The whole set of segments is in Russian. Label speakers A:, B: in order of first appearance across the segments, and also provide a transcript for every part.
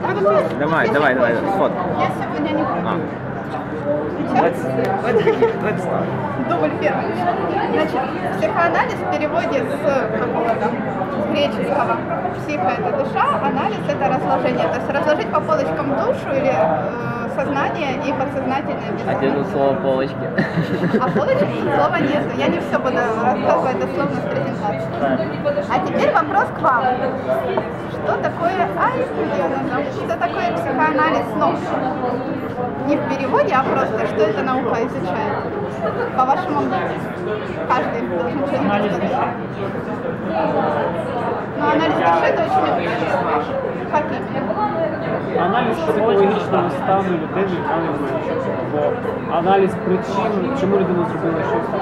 A: Давай, сфот.
B: Я сегодня не буду.
A: Let's start.
B: Дубль первый. Значит, психоанализ в переводе с греческого психо это душа, анализ это разложение. То есть разложить по полочкам душу или сознание и подсознательное.
A: Один слово полочки.
B: А полочки слова нету. Я не все буду рассказывать дословно с презентацией. А теперь вопрос к вам. Что такое что такое психоанализ снов? Не в переводе, а просто что эта наука изучает? По вашему мнению. Каждый должен что-нибудь сказать. Но анализ души это очень интересно. Как именно?
C: Аналіз психологічного стану людини, бо аналіз причин, чому людина зробила щось.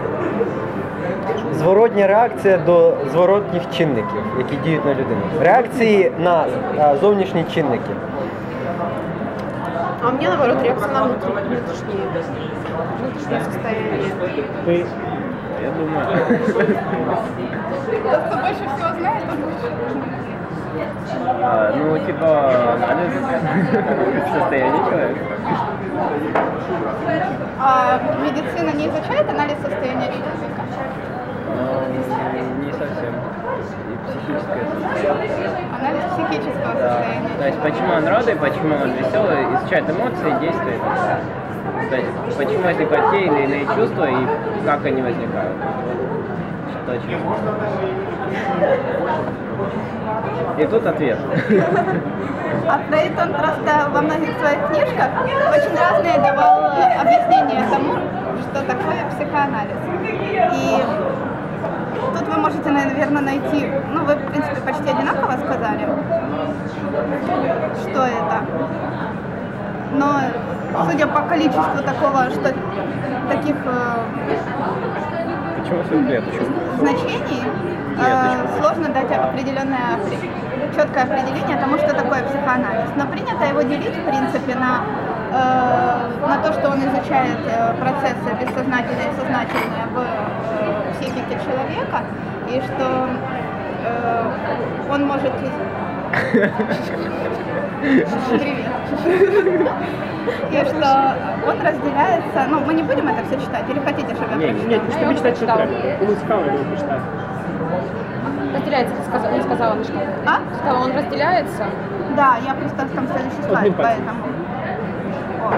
D: Зворотня реакція до зворотніх чинників, які діють на людину. Реакції на зовнішні чинники.
E: А у меня, наоборот, реакция на внутреннее состояние.
C: Ти
A: Я думаю.
B: Тот, кто больше всего знает, тот лучше.
A: Ну, типа, анализ состояния человека.
B: А медицина не изучает анализ состояния человека?
A: Не совсем. И психическое состояние.
B: Анализ психического состояния.
A: То есть, почему он рады, почему он веселый, изучает эмоции, действия и так далее. То есть, почему возникают те или иные чувства и как они возникают. Что очень важно. И тут ответ.
B: А Фрейд, он просто во многих своих книжках очень разные давал объяснения тому, что такое психоанализ. И тут вы можете, наверное, найти, ну вы, в принципе, почти одинаково сказали, что это. Но судя по количеству такого, что таких
A: Почему всю клеточку?
B: значений, сложно дать определенное, четкое определение тому, что такое психоанализ. Но принято его делить, в принципе, на то, что он изучает процессы бессознательные и сознательные в психике человека, и что он может... Привет. И что он разделяется... Ну, мы не будем это все читать, или хотите, чтобы я прочитала?
C: Ні, щоб читати, що треба. Кому цікаво, його почитати.
E: Разделяется, не сказала на что.
B: А?
E: Сказала, он разделяется.
B: Да, я просто там следующий слайд,
C: Одним пальцем.
B: поэтому... О.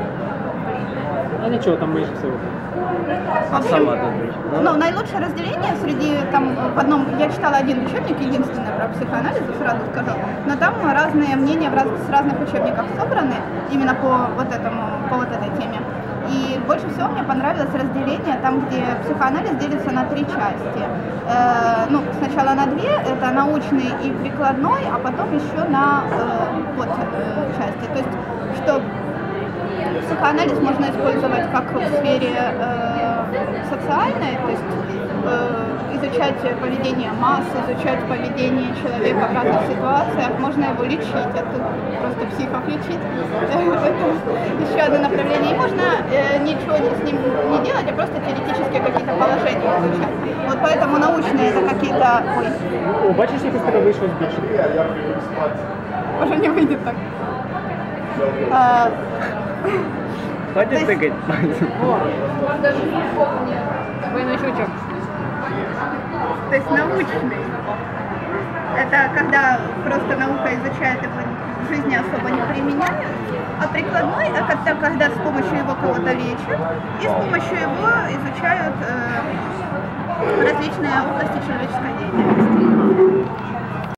C: А нічого, там майже все.
B: В общем,
A: Сама тут.
B: ну, наилучшее разделение среди, там, в одном, я читала один учебник, единственный про психоанализ, сразу скажу, но там разные мнения с разных учебников собраны, именно по вот этой теме. И больше всего мне понравилось разделение там, где психоанализ делится на 3 части. Ну, сначала на 2, это научный и прикладной, а потом еще на части. То есть, что психоанализ можно использовать как в сфере социальной, то есть изучать поведение масс, изучать поведение человека в разных ситуациях, можно его лечить, это просто психов лечить, это еще одно направление, и можно ничего с ним не делать, а просто теоретически какие-то положения изучать. Вот поэтому научные это какие-то... Ой.
C: О, бачиш, якось тебе вийшло збільшити?
B: Уже не выйдет так.
A: Хватит тыкать пальцем.
E: Двойной щелчок.
B: То есть научный. Это когда просто наука изучает его, в жизни особо не применяют. А прикладной – это когда с помощью его кого-то лечат и с помощью его изучают различные области человеческой деятельности.